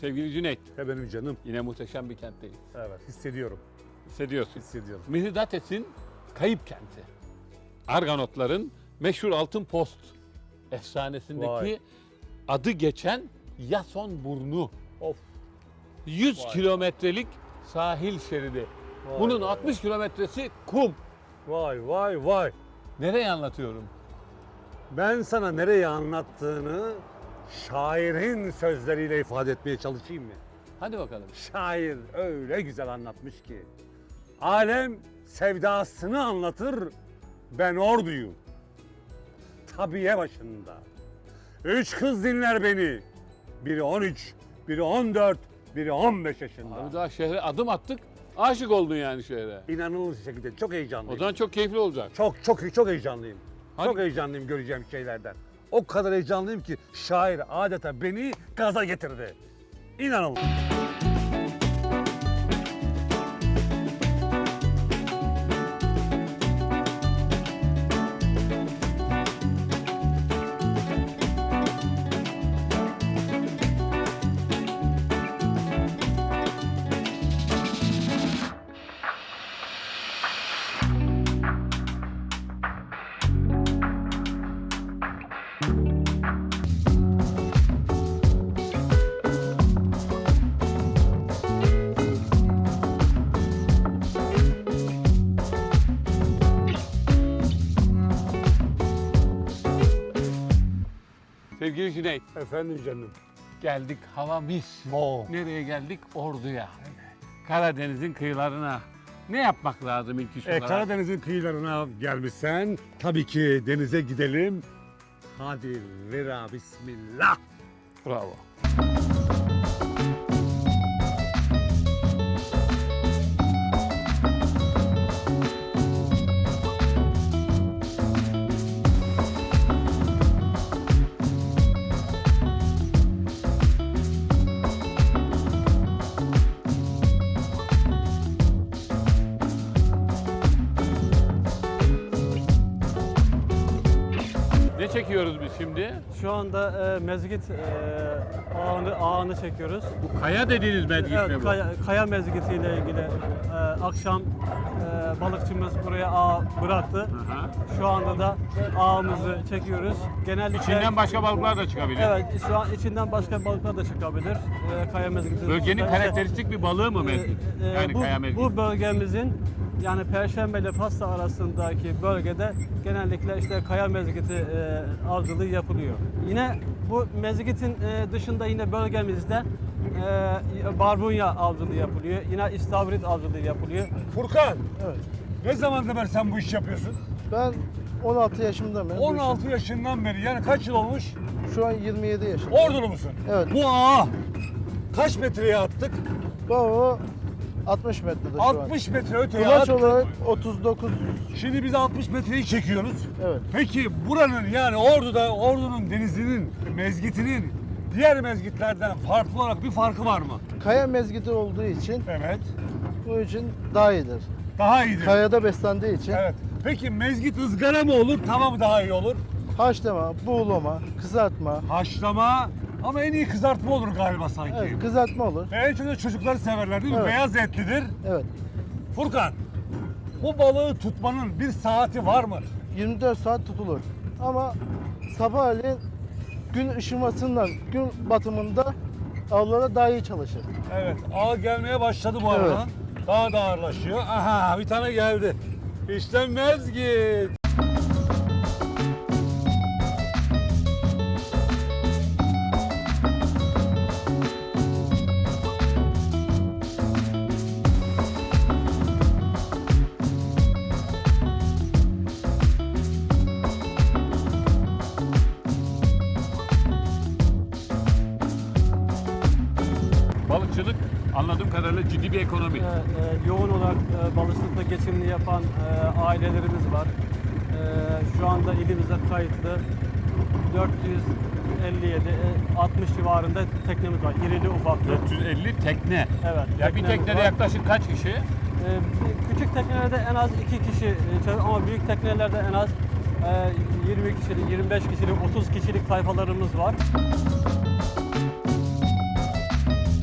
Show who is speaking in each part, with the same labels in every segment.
Speaker 1: Sevgili Cüneyt,
Speaker 2: Benim canım.
Speaker 1: yine muhteşem bir kentteyiz.
Speaker 2: Evet, hissediyorum.
Speaker 1: Hissediyorsun.
Speaker 2: Hissediyorum.
Speaker 1: Mihridates'in kayıp kenti. Arganotların meşhur Altın Post efsanesindeki
Speaker 2: Vay.
Speaker 1: adı geçen Yason Burnu.
Speaker 2: Of.
Speaker 1: 100
Speaker 2: Vay.
Speaker 1: kilometrelik sahil şeridi.
Speaker 2: Vay
Speaker 1: Bunun
Speaker 2: vay.
Speaker 1: 60 kilometresi kum.
Speaker 2: Vay vay vay.
Speaker 1: Nereye anlatıyorum?
Speaker 2: Ben sana nereye anlattığını şairin sözleriyle ifade etmeye çalışayım mı?
Speaker 1: Hadi bakalım.
Speaker 2: Şair öyle güzel anlatmış ki. Alem sevdasını anlatır, ben orduyum. Tabiye başında. 3 kız dinler beni. Biri 13, biri 14, biri 15 yaşında.
Speaker 1: Abi daha şehre adım attık. Aşık oldun yani şehre.
Speaker 2: İnanılmaz bir şekilde çok
Speaker 1: O
Speaker 2: heyecanlıyım.
Speaker 1: zaman çok keyifli olacak.
Speaker 2: Çok heyecanlıyım.
Speaker 1: Hadi.
Speaker 2: Çok heyecanlıyım göreceğim şeylerden. O kadar heyecanlıyım ki şair adeta beni gaza getirdi. İnanılmaz.
Speaker 1: Sevgili Cüneyt,
Speaker 2: Efendim canım.
Speaker 1: geldik hava mis.
Speaker 2: Oo.
Speaker 1: Nereye geldik? Ordu'ya. Karadeniz'in kıyılarına. Ne yapmak lazım ilk iş olarak?
Speaker 2: Karadeniz'in kıyılarına gelmişsen tabii ki denize gidelim. Hadi vera bismillah.
Speaker 1: Bravo. Ne çekiyoruz biz şimdi?
Speaker 3: Şu anda mezgit ağını çekiyoruz.
Speaker 1: Bu kaya dediğiniz mezgit mi
Speaker 3: Evet,
Speaker 1: bu?
Speaker 3: kaya mezgitiyle ilgili akşam balıkçımız buraya ağ bıraktı.
Speaker 1: Aha.
Speaker 3: Şu anda da ağımızı çekiyoruz. Genellikle
Speaker 1: İçinden başka balıklar da çıkabilir.
Speaker 3: Evet, şu an içinden başka balıklar da çıkabilir. Kaya mezgiti.
Speaker 1: Bölgenin
Speaker 3: dışında.
Speaker 1: karakteristik bir balığı mı mezgit? Yani kaya mezgit.
Speaker 3: Bu bölgemizin yani Perşembe ile Fasla arasındaki bölgede genellikle işte kaya mezgiti avcılığı yapılıyor. Yine bu mezgitin dışında yine bölgemizde barbunya avcılığı yapılıyor. Yine istavrit avcılığı yapılıyor.
Speaker 2: Furkan,
Speaker 4: Evet.
Speaker 2: ne zamandır beri sen bu işi yapıyorsun?
Speaker 4: Ben 16 yaşımda mı?
Speaker 2: 16 yaşından beri, yani kaç yıl olmuş?
Speaker 4: Şu an 27 yaşındayım.
Speaker 2: Ordulu musun?
Speaker 4: Evet.
Speaker 2: Bu ağa kaç metreye attık?
Speaker 4: Baba 60 metrede şu
Speaker 2: 60 metre öteye
Speaker 4: an. Kulaç
Speaker 2: attık.
Speaker 4: olarak 39.
Speaker 2: Şimdi biz 60 metreyi çekiyoruz.
Speaker 4: Evet.
Speaker 2: Peki buranın, yani Ordu'nun denizinin, mezgitinin diğer mezgitlerden farklı olarak bir farkı var mı?
Speaker 4: Kaya mezgiti olduğu için
Speaker 2: Evet.
Speaker 4: bu için daha iyidir.
Speaker 2: Daha iyidir.
Speaker 4: Kayada beslendiği için
Speaker 2: Evet. Peki mezgit ızgara mı olur, tava mı daha iyi olur?
Speaker 4: haşlama, buğulama, kızartma.
Speaker 2: Haşlama ama en iyi kızartma olur galiba sanki.
Speaker 4: Evet, kızartma olur.
Speaker 2: Ve en çok da çocuklar severler değil mi?
Speaker 4: Evet.
Speaker 2: Beyaz etlidir.
Speaker 4: Evet.
Speaker 2: Furkan, bu balığı tutmanın bir saati var mı?
Speaker 4: 24 saat tutulur. Ama sabahleyin gün ışımasından, gün batımında avlara daha iyi çalışır.
Speaker 2: Evet, ağ gelmeye başladı bu arada.
Speaker 4: Evet.
Speaker 2: Daha da ağırlaşıyor. Aha, bir tane geldi. İşte mezgit.
Speaker 1: Balıkçılık anladığım kadarıyla ciddi bir ekonomi.
Speaker 3: Yoğun olarak balıkçılıkla geçimini yapan ailelerimiz var. Şu anda ilimizde kayıtlı 457, 60 civarında teknemiz var. İrili ufaklı.
Speaker 1: 450 tekne.
Speaker 3: Evet.
Speaker 1: Ya bir
Speaker 3: teknemiz
Speaker 1: teknede
Speaker 3: var.
Speaker 1: yaklaşık kaç kişi?
Speaker 3: Küçük teknelerde en az 2 kişi çalışıyor ama büyük teknelerde en az 20 kişilik, 25 kişilik, 30 kişilik tayfalarımız var.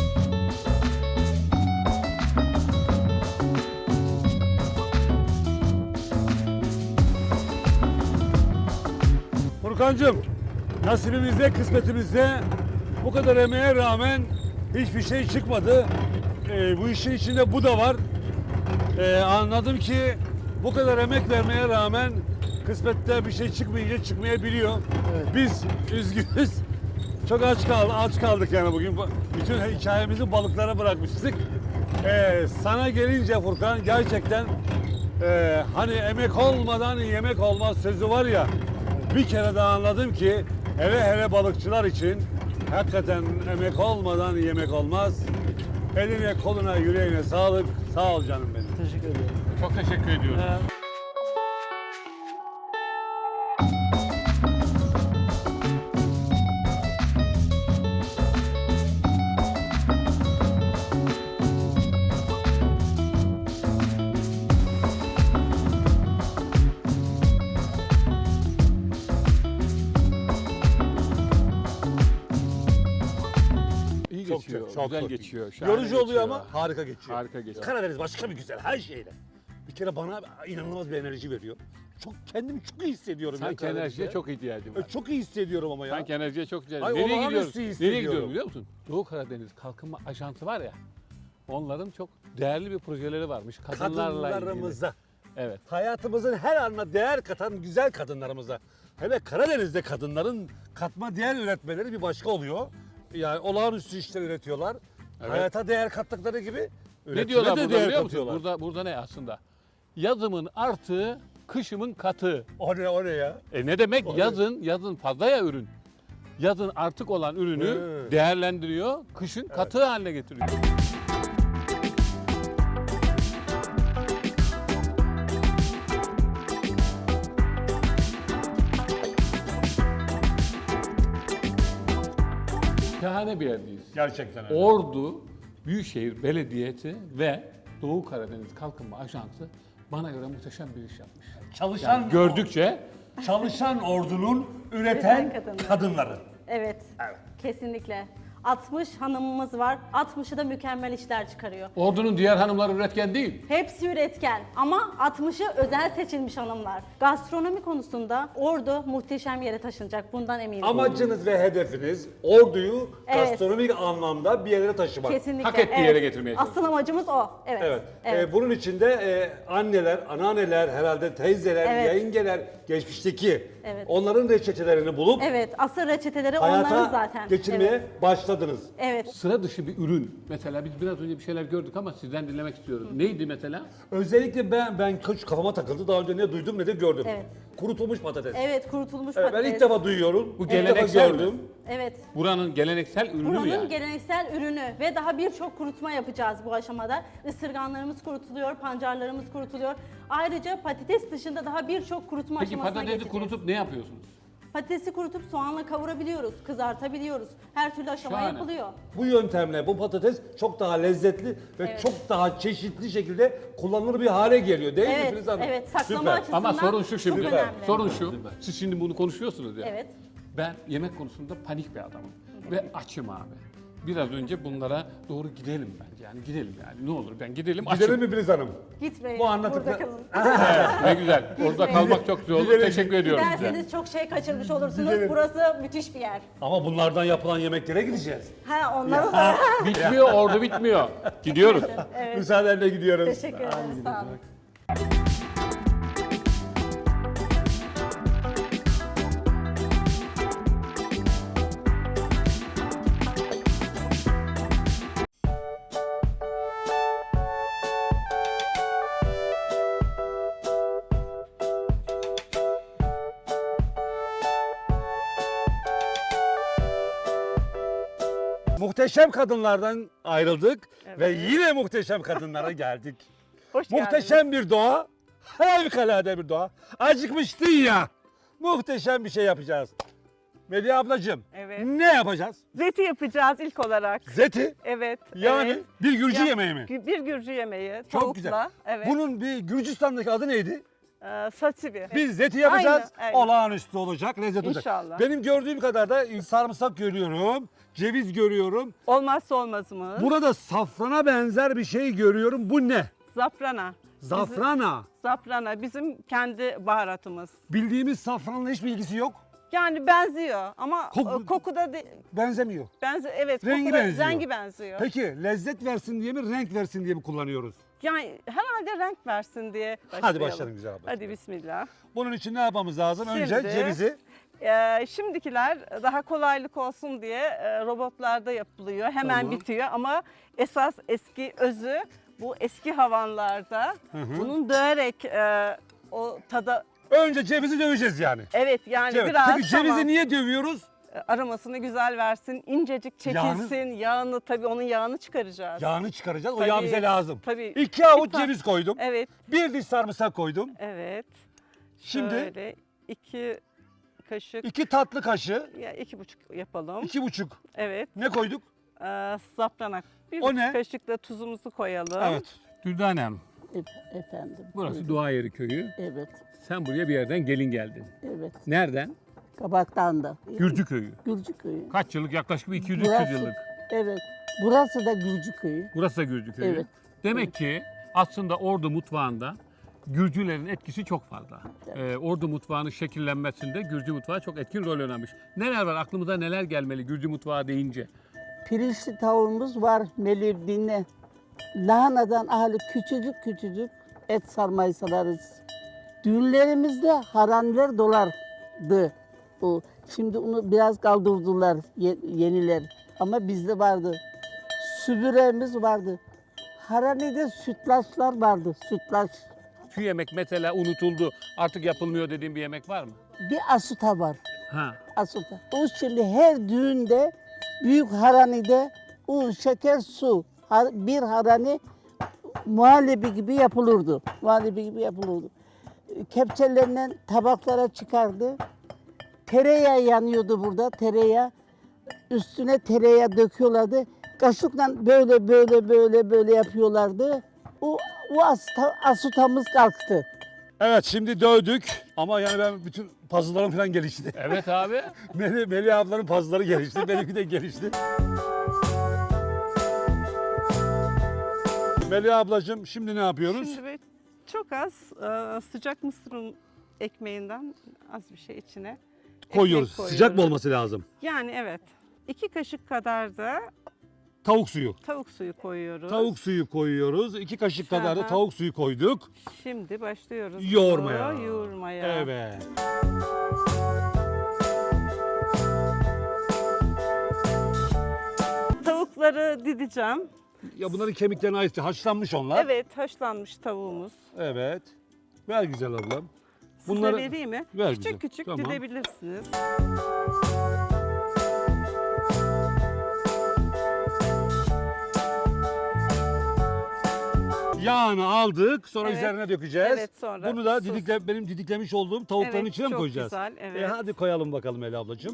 Speaker 2: Furkancığım, nasibimizde, kısmetimizde bu kadar emeğe rağmen hiçbir şey çıkmadı. Bu işin içinde bu da var. Anladım ki bu kadar emek vermeye rağmen kısmette bir şey çıkmayınca çıkmayabiliyor.
Speaker 4: Evet.
Speaker 2: Biz üzgünüz. Çok aç kaldık yani bugün. Bütün hikayemizi balıklara bırakmıştık. Sana gelince Furkan gerçekten hani emek olmadan yemek olmaz sözü var ya, bir kere daha anladım ki hele balıkçılar için hakikaten emek olmadan yemek olmaz. Eline, koluna, yüreğine sağlık. Sağ ol canım benim.
Speaker 4: Teşekkür ederim.
Speaker 1: Çok teşekkür ediyorum. İyi geçiyor, güzel geçiyor. şahane
Speaker 2: Yorucu oluyor
Speaker 1: geçiyor.
Speaker 2: ama harika geçiyor.
Speaker 1: Harika geçiyor.
Speaker 2: Karadeniz başka bir güzel her şeyle. Bir kere bana inanılmaz bir enerji veriyor. Kendimi çok iyi hissediyorum.
Speaker 1: Sanki
Speaker 2: Karadeniz'de.
Speaker 1: enerjiye çok ihtiyacım var.
Speaker 2: Çok iyi hissediyorum ama ya.
Speaker 1: Sanki enerjiye çok ihtiyacım
Speaker 2: Ay,
Speaker 1: var. Nereye
Speaker 2: olağanüstü
Speaker 1: gidiyoruz? Nereye
Speaker 2: hissediyorum.
Speaker 1: gidiyorum biliyor musun? Doğu Karadeniz Kalkınma Ajansı var ya. Onların çok değerli bir projeleri varmış. Kadınlarla ilgili.
Speaker 2: Kadınlarımıza,
Speaker 1: Evet.
Speaker 2: hayatımızın her anına değer katan güzel kadınlarımıza. Hele Karadeniz'de kadınların katma değer üretmeleri bir başka oluyor. Yani olağanüstü işler üretiyorlar.
Speaker 1: Evet.
Speaker 2: Hayata değer kattıkları gibi
Speaker 1: Ne
Speaker 2: üretime
Speaker 1: diyorlar
Speaker 2: de
Speaker 1: burada
Speaker 2: değer
Speaker 1: biliyor musun?
Speaker 2: katıyorlar.
Speaker 1: Burada ne aslında? Yazımın artığı, kışımın katığı.
Speaker 2: O ne ya?
Speaker 1: Ne demek?
Speaker 2: O ne?
Speaker 1: Yazın fazla ya ürün. Yazın artık olan ürünü
Speaker 2: Evet.
Speaker 1: değerlendiriyor, kışın katığı haline getiriyor. Şahane bir yerdeyiz.
Speaker 2: Gerçekten öyle.
Speaker 1: Ordu Büyükşehir Belediyesi ve Doğu Karadeniz Kalkınma Ajansı bana göre muhteşem bir iş yapmış.
Speaker 2: Çalışan
Speaker 1: Yani gördükçe
Speaker 2: çalışan ordunun
Speaker 5: Üreten
Speaker 2: üreten
Speaker 5: kadınlar.
Speaker 2: kadınları.
Speaker 5: Evet.
Speaker 2: Evet.
Speaker 5: Kesinlikle. 60 hanımımız var. 60'ı da mükemmel işler çıkarıyor.
Speaker 1: ordunun diğer hanımları üretken değil.
Speaker 5: Hepsi üretken ama 60'ı özel seçilmiş hanımlar. Gastronomi konusunda Ordu muhteşem yere taşınacak. Bundan eminim.
Speaker 2: Amacınız ve hedefiniz orduyu
Speaker 5: Evet.
Speaker 2: gastronomik anlamda bir yere taşımak.
Speaker 5: Kesinlikle.
Speaker 1: hak ettiği yere getirmeye
Speaker 5: Asıl amacımız o. Evet.
Speaker 2: Evet.
Speaker 5: Evet.
Speaker 2: Bunun içinde anneler, anneanneler, herhalde teyzeler,
Speaker 5: Evet.
Speaker 2: yayıngeler, geçmişteki
Speaker 5: Evet.
Speaker 2: onların reçetelerini bulup
Speaker 5: Evet. Asıl reçeteleri onların
Speaker 2: hayata
Speaker 5: zaten.
Speaker 2: geçirmeye
Speaker 5: Evet.
Speaker 2: başladınız.
Speaker 5: Evet.
Speaker 1: Sıra dışı bir ürün. Mesela biz biraz önce bir şeyler gördük ama sizden dinlemek istiyorum. Neydi mesela?
Speaker 2: Özellikle ben kafama takıldı. Daha önce ne duydum ne de gördüm.
Speaker 5: Evet.
Speaker 2: Kurutulmuş patates.
Speaker 5: Evet. Kurutulmuş
Speaker 2: Evet, ben
Speaker 5: patates.
Speaker 2: ilk defa duyuyorum.
Speaker 1: Bu
Speaker 2: İlk defa
Speaker 1: geleneksel mi?
Speaker 2: gördüm.
Speaker 5: Evet.
Speaker 1: Buranın geleneksel ürünü mü
Speaker 5: Buranın
Speaker 1: yani?
Speaker 5: geleneksel ürünü ve daha birçok kurutma yapacağız bu aşamada. Isırganlarımız kurutuluyor, pancarlarımız kurutuluyor. Ayrıca patates dışında daha birçok kurutma
Speaker 1: Peki
Speaker 5: aşamasına
Speaker 1: patatesi
Speaker 5: geçeceğiz.
Speaker 1: kurutup ne yapıyorsunuz?
Speaker 5: Patatesi kurutup soğanla kavurabiliyoruz, kızartabiliyoruz. Her türlü aşama
Speaker 1: Şahane.
Speaker 5: yapılıyor.
Speaker 2: Bu yöntemle bu patates çok daha lezzetli ve
Speaker 5: Evet.
Speaker 2: çok daha çeşitli şekilde kullanılır bir hale geliyor değil mi
Speaker 5: Evet,
Speaker 2: Filiz Hanım?
Speaker 5: evet. Saklama
Speaker 2: Süper.
Speaker 5: açısından
Speaker 1: Ama sorun şu şimdi.
Speaker 5: çok önemli.
Speaker 1: Sorun şu. Siz şimdi bunu konuşuyorsunuz ya.
Speaker 5: Evet.
Speaker 1: Ben yemek konusunda panik bir adamım. Ve açım abi. Biraz önce bunlara doğru gidelim bence. Yani gidelim yani. Ne olur ben gidelim açım.
Speaker 2: Gidelim mi Filiz Hanım?
Speaker 5: Gitmeyin,
Speaker 2: Bu anlatıkla-
Speaker 5: burada kalın.
Speaker 1: Ne güzel. Orada kalmak çok güzel olur.
Speaker 2: Gidelim.
Speaker 1: Teşekkür ediyorum size.
Speaker 5: Giderseniz çok şey kaçırmış olursunuz.
Speaker 2: Gidelim.
Speaker 5: Burası müthiş bir yer.
Speaker 2: Ama bunlardan yapılan yemeklere gideceğiz.
Speaker 5: Ha onları da.
Speaker 1: Bitmiyor, ordu bitmiyor. Gidiyoruz.
Speaker 5: Evet.
Speaker 2: Müsaadenle gidiyoruz.
Speaker 5: Teşekkür ederim. Sağ olun.
Speaker 2: Muhteşem kadınlardan ayrıldık ve yine muhteşem kadınlara geldik.
Speaker 6: Hoş geldiniz.
Speaker 2: Muhteşem bir doğa, harikulade bir doğa. Acıkmıştın ya. Muhteşem bir şey yapacağız. Medya ablacığım,
Speaker 6: Evet.
Speaker 2: ne yapacağız?
Speaker 6: Zeti yapacağız ilk olarak.
Speaker 2: Zeti,
Speaker 6: Evet.
Speaker 2: yani
Speaker 6: evet.
Speaker 2: bir Gürcü
Speaker 6: Ya-
Speaker 2: yemeği mi?
Speaker 6: Bir Gürcü yemeği.
Speaker 2: Çok
Speaker 6: Tavukla.
Speaker 2: güzel.
Speaker 6: Evet.
Speaker 2: Bunun bir Gürcistan'daki adı neydi?
Speaker 6: Satsivi.
Speaker 2: Biz zeti yapacağız.
Speaker 6: Aynen, aynen.
Speaker 2: Olağanüstü olacak, lezzet olacak.
Speaker 6: İnşallah.
Speaker 2: Benim gördüğüm kadar da sarımsak görüyorum, ceviz görüyorum.
Speaker 6: Olmazsa olmazımız.
Speaker 2: Burada safrana benzer bir şey görüyorum. Bu ne?
Speaker 6: Zafrana.
Speaker 2: Zafrana.
Speaker 6: Zafrana bizim kendi baharatımız.
Speaker 2: Bildiğimiz safranla hiçbir ilgisi yok.
Speaker 6: Yani benziyor ama koku da
Speaker 2: Benzemiyor.
Speaker 6: evet,
Speaker 2: Rengi
Speaker 6: koku da
Speaker 2: benziyor.
Speaker 6: rengi benziyor.
Speaker 2: Peki lezzet versin diye mi, renk versin diye mi kullanıyoruz?
Speaker 6: Yani herhalde renk versin diye başlayalım.
Speaker 2: Hadi başlayalım güzel abla.
Speaker 6: Hadi bismillah.
Speaker 2: Bunun için ne yapmamız lazım? Önce
Speaker 6: Şimdi-
Speaker 2: cevizi.
Speaker 6: Şimdikiler daha kolaylık olsun diye robotlarda yapılıyor. Hemen
Speaker 2: Tamam.
Speaker 6: bitiyor ama esas eski özü bu eski havanlarda bunun döverek o tada
Speaker 2: Önce cevizi döveceğiz yani.
Speaker 6: evet yani
Speaker 2: Evet.
Speaker 6: biraz
Speaker 2: Peki cevizi
Speaker 6: tamam,
Speaker 2: niye dövüyoruz?
Speaker 6: aromasını güzel versin, incecik çekilsin, yağını tabii onun yağını çıkaracağız.
Speaker 2: Yağını çıkaracağız. O
Speaker 6: Tabii,
Speaker 2: yağ bize lazım.
Speaker 6: tabii.
Speaker 2: 2 avuç
Speaker 6: Bir ta-
Speaker 2: ceviz koydum.
Speaker 6: Evet,
Speaker 2: 1 diş sarımsak koydum.
Speaker 6: evet.
Speaker 2: Şimdi
Speaker 6: Şöyle 2 kaşık
Speaker 2: 2 tatlı kaşığı,
Speaker 6: ya 2,5 yapalım.
Speaker 2: 2,5.
Speaker 6: Evet.
Speaker 2: Ne koyduk?
Speaker 6: Safranak. Bir
Speaker 2: O ne?
Speaker 6: kaşık da tuzumuzu koyalım.
Speaker 2: Evet.
Speaker 1: Dürdane Hanım,
Speaker 7: Efendim.
Speaker 1: burası
Speaker 7: buyurun.
Speaker 1: Duayeri köyü.
Speaker 7: Evet,
Speaker 1: Sen buraya bir yerden gelin geldin.
Speaker 7: evet.
Speaker 1: Nereden?
Speaker 7: Kabaktan da.
Speaker 1: Gürcü köyü.
Speaker 7: Gürcü köyü.
Speaker 1: Kaç yıllık? Yaklaşık bir 200-300
Speaker 7: Burası-
Speaker 1: yıllık.
Speaker 7: Evet. Burası da Gürcü köyü.
Speaker 1: Burası da Gürcü köyü.
Speaker 7: Evet.
Speaker 1: Demek ki aslında Ordu mutfağında Gürcülerin etkisi çok fazla. Ordu mutfağının şekillenmesinde Gürcü mutfağı çok etkin rol oynamış. Neler var? Aklımıza neler gelmeli Gürcü mutfağı deyince?
Speaker 7: Pirinçli tavuğumuz var. Melih dinle. Lahanadan ahali küçücük küçücük et sarmayı sararız. Düğünlerimizde haranler dolardı. O. Şimdi onu biraz kaldırdılar yeniler. Ama bizde vardı. Sübüremiz vardı. Haranede sütlaçlar vardı. Sütlaç.
Speaker 1: Şu yemek mesela unutuldu, artık yapılmıyor dediğim bir yemek var mı?
Speaker 7: Bir asuta var.
Speaker 1: Ha.
Speaker 7: Asuta. O şimdi her düğünde büyük haranide un, şeker, su. Bir harani muhallebi gibi yapılırdı. Muhallebi gibi yapılırdı. Kepçelerinden tabaklara çıkardı. Tereyağı yanıyordu burada, tereyağı. Üstüne tereyağı döküyorlardı. Kaşıkla böyle yapıyorlardı. O asutamız kalktı.
Speaker 2: Evet şimdi dövdük ama yani ben bütün puzzle'larım falan gelişti.
Speaker 1: Evet abi.
Speaker 2: Melih ablanın puzzle'ları gelişti, benimki de gelişti. Melih ablacığım şimdi ne yapıyoruz?
Speaker 6: Şimdi böyle çok az sıcak mısır ekmeğinden az bir şey içine
Speaker 2: Koyuyoruz.
Speaker 6: ekmek
Speaker 2: Sıcak mı olması lazım?
Speaker 6: Yani evet. 2 kaşık kadar da
Speaker 2: Tavuk suyu.
Speaker 6: tavuk suyu koyuyoruz.
Speaker 2: Tavuk suyu koyuyoruz. 2 kaşık kadar da
Speaker 6: Aha.
Speaker 2: tavuk suyu koyduk.
Speaker 6: Şimdi başlıyoruz.
Speaker 2: Yoğurmaya.
Speaker 6: bunu Yoğurmaya.
Speaker 2: Evet.
Speaker 6: Tavukları dideceğim.
Speaker 2: Ya bunların kemiklerine ait haşlanmış onlar.
Speaker 6: Evet, haşlanmış tavuğumuz.
Speaker 2: Evet. Ver güzel ablam.
Speaker 6: Size vereyim mi?
Speaker 2: Ver
Speaker 6: Küçük
Speaker 2: bize.
Speaker 6: küçük
Speaker 2: Tamam.
Speaker 6: didebilirsiniz.
Speaker 2: Yağını aldık, sonra
Speaker 6: Evet.
Speaker 2: üzerine dökeceğiz.
Speaker 6: Evet, sonra
Speaker 2: Bunu da
Speaker 6: sus.
Speaker 2: benim didiklemiş olduğum tavukların
Speaker 6: Evet,
Speaker 2: içine mi
Speaker 6: çok
Speaker 2: koyacağız?
Speaker 6: güzel, evet.
Speaker 2: Hadi koyalım bakalım Melih ablacığım.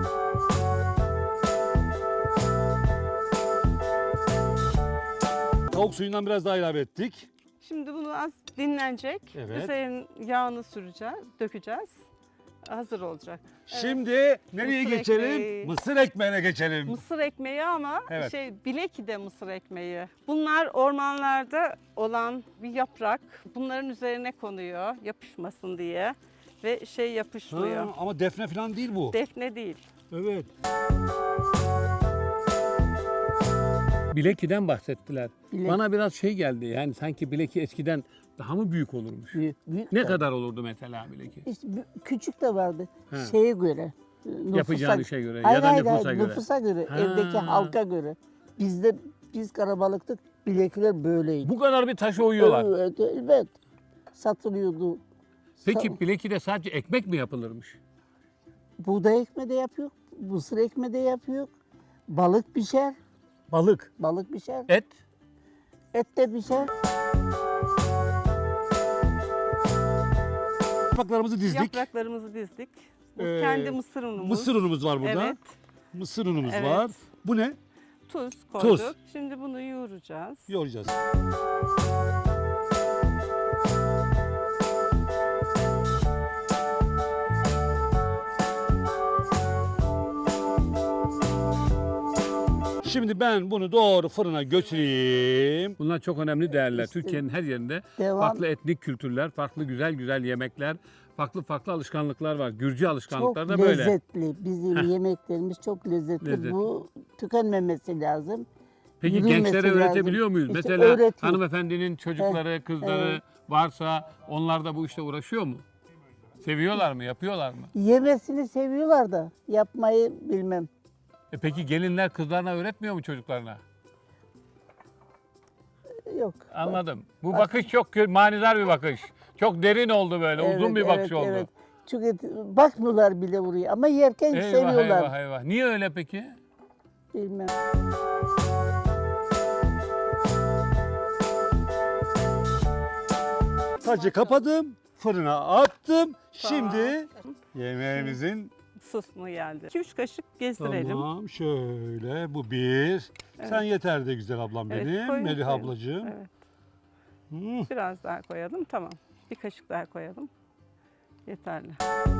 Speaker 2: Tavuk suyundan biraz daha ilave ettik.
Speaker 6: Şimdi bunu az dinlenecek.
Speaker 2: Evet.
Speaker 6: Üzerine yağını süreceğiz, dökeceğiz. Hazır olacak.
Speaker 2: Şimdi nereye
Speaker 6: Mısır
Speaker 2: geçelim?
Speaker 6: ekmeği.
Speaker 2: Mısır ekmeğine geçelim.
Speaker 6: Mısır ekmeği ama
Speaker 2: Evet.
Speaker 6: Bileki'de mısır ekmeği. Bunlar ormanlarda olan bir yaprak. Bunların üzerine konuyor yapışmasın diye ve yapışmıyor.
Speaker 2: Ha, ama defne falan değil bu.
Speaker 6: Defne değil.
Speaker 2: Evet.
Speaker 1: Bileki'den bahsettiler.
Speaker 7: Bilek.
Speaker 1: Bana biraz şey geldi, yani sanki Bileki eskiden daha mı büyük olurmuş?
Speaker 7: Büyük
Speaker 1: Ne
Speaker 7: de.
Speaker 1: kadar olurdu mesela Bileki?
Speaker 7: İşte küçük de vardı.
Speaker 1: He.
Speaker 7: Şeye göre.
Speaker 1: Yapacağın işe göre
Speaker 7: Hayır,
Speaker 1: ya da
Speaker 7: hayır,
Speaker 1: nüfusa
Speaker 7: hayır,
Speaker 1: göre.
Speaker 7: Nüfusa göre.
Speaker 1: Ha.
Speaker 7: Evdeki halka göre. Biz karabalıktık. Bilekler böyleydi.
Speaker 1: Bu kadar bir taşa uyuyorlar.
Speaker 7: Evet, evet. Satılıyordu.
Speaker 1: Peki Bileki'de sadece ekmek mi yapılırmış?
Speaker 7: Buğday ekmeği de yapıyor. Mısır ekmeği de yapıyor. Balık pişer.
Speaker 1: Balık,
Speaker 7: Balık pişer.
Speaker 1: et,
Speaker 7: Et de pişer.
Speaker 2: Yapraklarımızı dizdik.
Speaker 6: Yapraklarımızı dizdik. Bu
Speaker 2: Ee,
Speaker 6: kendi mısır unumuz.
Speaker 2: Mısır unumuz var burada.
Speaker 6: Evet.
Speaker 2: Mısır unumuz
Speaker 6: Evet.
Speaker 2: var. Bu ne?
Speaker 6: Tuz koyduk.
Speaker 2: Tuz.
Speaker 6: Şimdi bunu yoğuracağız.
Speaker 2: Yoğuracağız. Şimdi ben bunu doğru fırına götüreyim.
Speaker 1: Bunlar çok önemli değerler. Türkiye'nin her yerinde
Speaker 7: Devam.
Speaker 1: farklı etnik kültürler, farklı güzel güzel yemekler, farklı alışkanlıklar var. Gürcü
Speaker 7: Çok
Speaker 1: alışkanlıkları da böyle.
Speaker 7: lezzetli. Bizim yemeklerimiz çok lezzetli.
Speaker 1: Lezzetli.
Speaker 7: Bu tükenmemesi lazım.
Speaker 1: Peki
Speaker 7: Yürümesi
Speaker 1: gençlere
Speaker 7: lazım.
Speaker 1: öğretebiliyor muyuz?
Speaker 7: İşte
Speaker 1: Mesela
Speaker 7: öğretiyor.
Speaker 1: hanımefendinin çocukları, kızları
Speaker 7: evet.
Speaker 1: varsa onlar da bu işte uğraşıyor mu? Seviyorlar mı? Yapıyorlar mı?
Speaker 7: Yemesini seviyorlar da yapmayı bilmem.
Speaker 1: Peki gelinler kızlarına öğretmiyor mu çocuklarına?
Speaker 7: Yok.
Speaker 1: Anladım. Bu bakış çok manidar bir bakış. Çok derin oldu böyle. Uzun
Speaker 7: Evet,
Speaker 1: bir bakış
Speaker 7: evet,
Speaker 1: oldu.
Speaker 7: evet. Çünkü bakmıyorlar bile buraya ama yerken
Speaker 1: Eyvah
Speaker 7: seviyorlar.
Speaker 1: eyvah eyvah. Niye öyle peki?
Speaker 7: Bilmem.
Speaker 2: Sacı kapadım, fırına attım. Şimdi yemeğimizin
Speaker 6: Sosunu geldi. 2-3 kaşık gezdirelim.
Speaker 2: tamam şöyle bu bir. Sen yeter de güzel ablam
Speaker 6: Evet,
Speaker 2: benim.
Speaker 6: koyun,
Speaker 2: Melih
Speaker 6: koyun.
Speaker 2: ablacığım.
Speaker 6: Evet.
Speaker 2: Hmm.
Speaker 6: Biraz daha koyalım. Tamam. Bir kaşık daha koyalım. Yeterli.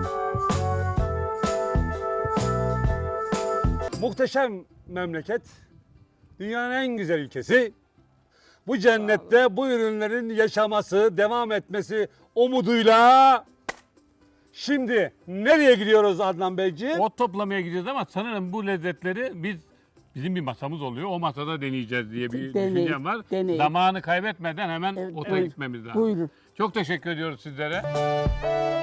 Speaker 2: Muhteşem memleket. Dünyanın en güzel ülkesi. Bu cennette bu ürünlerin yaşaması, devam etmesi umuduyla şimdi nereye gidiyoruz Adnan Beyciğim?
Speaker 1: Ot toplamaya gideceğiz ama sanırım bu lezzetleri bizim bir masamız oluyor. O masada deneyeceğiz diye bir
Speaker 7: Deneyin,
Speaker 1: düşüncem var.
Speaker 7: deneyin.
Speaker 1: Zamanı kaybetmeden hemen
Speaker 7: Evet,
Speaker 1: ota
Speaker 7: evet.
Speaker 1: gitmemiz lazım.
Speaker 7: Buyurun.
Speaker 1: Çok teşekkür ediyoruz sizlere.